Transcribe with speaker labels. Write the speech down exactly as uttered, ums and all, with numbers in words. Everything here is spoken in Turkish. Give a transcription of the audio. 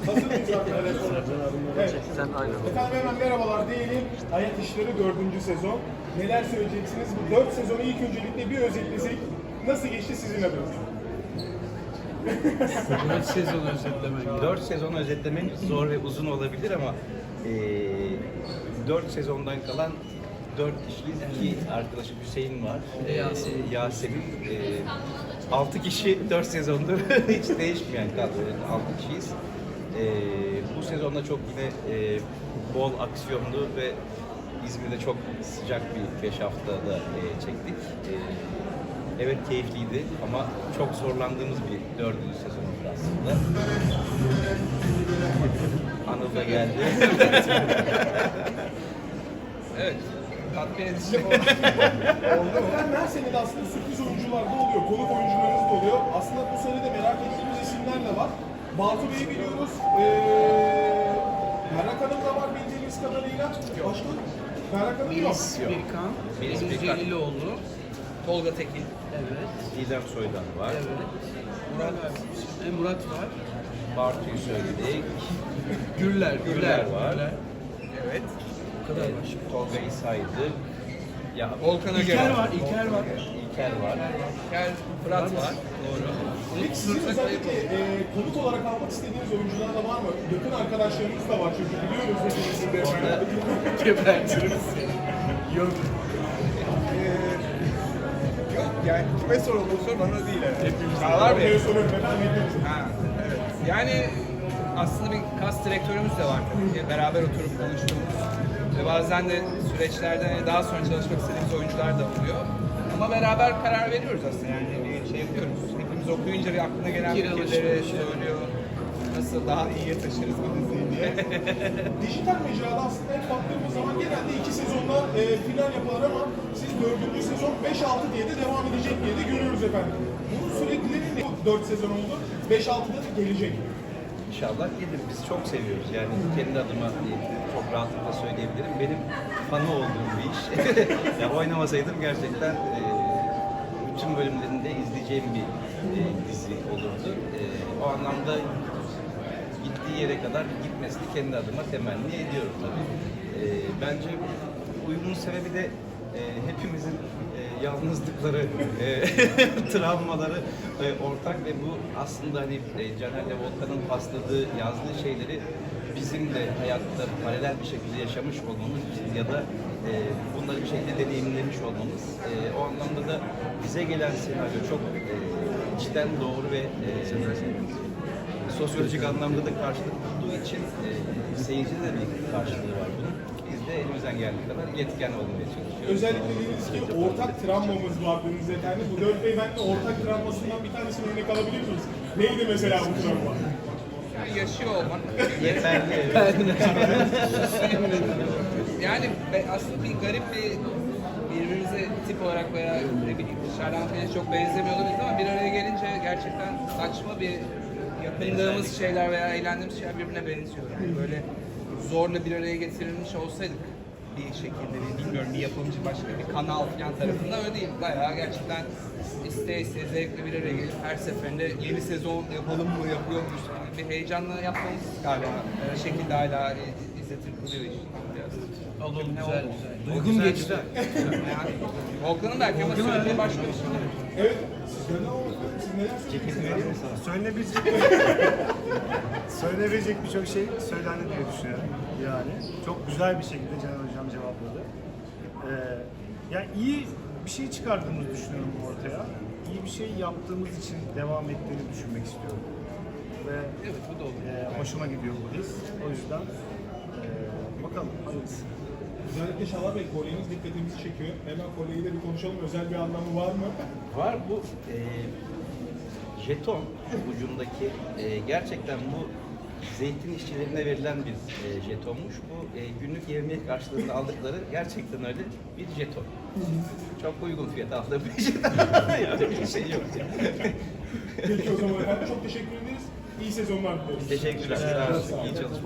Speaker 1: Hazır mıyız arkadaşlar? Evet.
Speaker 2: Sen aynen.
Speaker 1: Efendim hemen merhabalar diyelim. Hayat İşleri dördüncü sezon. Neler söyleyeceksiniz? Bu dört sezonu ilk öncelikle bir özetlesek nasıl geçti sizin adınız?
Speaker 2: Dört sezon özetlemen.
Speaker 3: Dört sezon özetlemen zor ve uzun olabilir ama e, dört sezondan kalan dört kişiyiz. İki arkadaşım Hüseyin var.
Speaker 2: Bir de Yasemin.
Speaker 3: E, Yasemin. E, altı kişi dört sezondur hiç değişmeyen kadro. Altı kişiyiz. E, bu sezonda çok yine e, bol aksiyonlu ve İzmir'de çok sıcak bir beş haftada e, çektik. E, evet keyifliydi ama çok zorlandığımız bir dördüncü sezonumuz aslında. Anıl da geldi.
Speaker 4: Evet, tatmin edici oldu.
Speaker 1: Efendim her sene de aslında sürpriz oyuncular da oluyor. Konuk oyuncularımız da oluyor. Aslında bu sene de merak ettiğimiz isimler de var. Batu Bey'i biliyoruz. Ee, Berrak Hanım da var bildiğimiz kadarıyla. Başka? Berrak Hanım yok.
Speaker 2: Melis
Speaker 3: Yok.
Speaker 2: Birkan,
Speaker 3: Melis
Speaker 2: Deniz
Speaker 3: Birkan.
Speaker 2: Celilioğlu.
Speaker 4: Tolga Tekin,
Speaker 2: Evet.
Speaker 3: Didem Soydan var.
Speaker 2: Evet. Murat, e, Murat var.
Speaker 3: Bartu'yu söyledik.
Speaker 2: Güller, Güller,
Speaker 3: Güller var.
Speaker 2: Güller.
Speaker 4: evet.
Speaker 2: Bu kadar başka.
Speaker 3: Tolga'yı saydık. Ya,
Speaker 4: Volkan Öge
Speaker 2: İlker
Speaker 4: var.
Speaker 2: var, İlker var.
Speaker 3: İlker var.
Speaker 4: Gel Fırat var.
Speaker 2: Doğru.
Speaker 1: Peki sizin özellikle e, konuk olarak almak istediğiniz oyuncular da var mı? Yakın arkadaşlarınız da var çünkü biliyoruz hepimizin de.
Speaker 2: Gebertiriz seni. Yok.
Speaker 4: Yok yani kime soruldu bu soru bana değil evet.
Speaker 2: Hepimiz.
Speaker 4: Çağlar Bey.
Speaker 1: Ortaya soruyorum efendim. hepimiz.
Speaker 4: Ha, evet. Yani aslında bir kas direktörümüz de var tabii ki. Beraber oturup konuştuğumuz ve bazen de süreçlerde hani daha sonra çalışmak istediğimiz oyuncular da oluyor. Ama beraber karar veriyoruz aslında yani bir şey yapıyoruz. Hepimiz okuyunca bir aklına gelen
Speaker 2: Fikir
Speaker 4: fikirleri
Speaker 2: alışverişi.
Speaker 4: söylüyor. Nasıl daha iyiye taşırız bu diziyi diye.
Speaker 1: Dijital mecrada aslında hep baktığımız zaman genelde iki sezonda e, final yapılır ama siz dördüncü sezon beş altı diye de devam edecek diye de görüyoruz efendim. Bunun süreklileri ne? dört sezon oldu. beş altıda da gelecek.
Speaker 3: İnşallah gelir. Biz çok seviyoruz. Yani kendi adıma e, çok rahatlıkla söyleyebilirim. Benim fanı olduğum bir iş. ya oynamasaydım gerçekten e, bütün bölümlerinde izleyeceğim bir e, dizi olurdu. E, o anlamda gittiği yere kadar gitmesini kendi adıma temenni ediyorum tabii. E, bence uyumun sebebi de e, hepimizin e, yalnızlıkları, e, travmaları e, ortak ve bu aslında hani e, Caner'le Volkan'ın pasladığı, yazdığı şeyleri bizim de hayatta paralel bir şekilde yaşamış olmamız ya da e, bunları bir şekilde deneyimlemiş olmamız. E, o anlamda da bize gelen senaryo çok e, içten doğru ve e, sosyolojik anlamda da karşılık bulduğu için e, seyircide de bir karşılığı var bunun. Biz de elimizden geldiği kadar yetken olmaya çalışıyoruz.
Speaker 1: Özellikle dediniz ki ortak travmamız var dediniz efendim. Bu dört beyefendi ortak travmasından bir tanesini örnek alabilir miyiz? Neydi mesela bu travma?
Speaker 4: Yani yaşıyor olmak.
Speaker 3: Yeterli.
Speaker 4: Yani be- aslında bir garip bir birbirimize tip olarak veya ne bileyim dışarıdan falan çok benzemiyor olabiliriz ama bir araya gelince gerçekten saçma bir yakındığımız şeyler veya eğlendiğimiz şeyler birbirine benziyor. Yani böyle zorla bir araya getirilmiş olsaydık bir şekilde bir, bilmiyorum bir yapımcı başka bir kanal falan tarafından öyle değil. Bayağı gerçekten isteye isteye zevkle bir araya gelip her seferinde yeni sezon yapalım mı yapıyor muyuz gibi bir heyecanla yapmamız galiba bir şekilde hala izletir kılıyor işi biraz.
Speaker 2: Oğlum
Speaker 4: Ne
Speaker 2: güzel
Speaker 4: oldu?
Speaker 2: güzel. Uygun geçti.
Speaker 4: Yani Volkan'ın belki ama söylediği başka bir şey.
Speaker 1: Evet. Sizden ne oldu efendim? Siz neler söyleyeceksiniz?
Speaker 5: Söylenebilecek söylenebilecek birçok şey söylendi diye düşünüyorum yani. Çok güzel bir şekilde Caner Hocam cevapladı. Ee, yani iyi bir şey çıkardığımızı düşünüyorum ortaya. İyi bir şey yaptığımız için devam ettiğini düşünmek istiyorum. Ve
Speaker 4: Evet bu da olur.
Speaker 5: e, hoşuma gidiyor bu his. O yüzden e, bakalım hayırlısı.
Speaker 1: Özellikle Şalar Bey kolyeniz dikkatimizi çekiyor. Hemen kolyeyi de bir konuşalım. Özel bir anlamı var mı?
Speaker 3: Var bu e, jeton ucundaki e, gerçekten bu zeytin işçilerine verilen bir e, jetonmuş. Bu e, günlük yevmiye karşılığında aldıkları gerçekten öyle bir jeton. Çok uygun fiyata aldığım bir jeton. Yani bir şey yok.
Speaker 1: Peki o zaman efendim çok teşekkür ederiz. İyi sezonlar dileriz.
Speaker 3: Teşekkürler. Sağ olun. İyi çalışmalar.